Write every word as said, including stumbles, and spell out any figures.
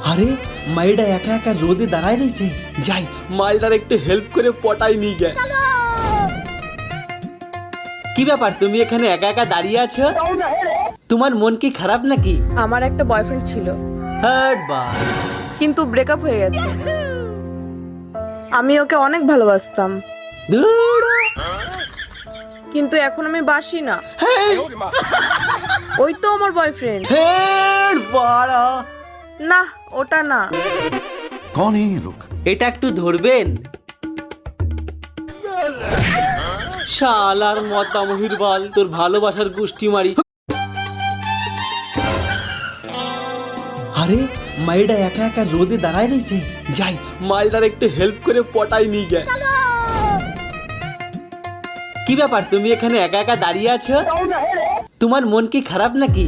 আরে মাইডা একা একা রোদে দাঁড়ায় রইছে, যাই মালটার একটু হেল্প করে পটাই নিয়ে গে। কি ব্যাপার, তুমি এখানে একা একা দাঁড়িয়ে আছো? তোমার মন কি খারাপ নাকি? আমার একটা বয়ফ্রেন্ড ছিল, হার্ট বা কিন্তু ব্রেকআপ হয়ে গেছে। আমি ওকে অনেক ভালোবাসতাম, ধুর। কিন্তু এখন আমি বাসি না। ওই তো আমার বয়ফ্রেন্ড। হেড বাড়া, না, ওটা না। कौन है ये लोग? এটা একটু ধরবেন? শালার মতা মহির বাল, তোর ভালোবাসার গোষ্ঠী মারি। আরে মাইডা একা একা রোদে দাঁড়ায় রইছে, যাই মালটার একটু হেল্প করে পটাই নিয়ে গে। কি ব্যাপার, তুমি এখানে একা একা দাঁড়িয়ে আছো? তোমার মন কি খারাপ নাকি?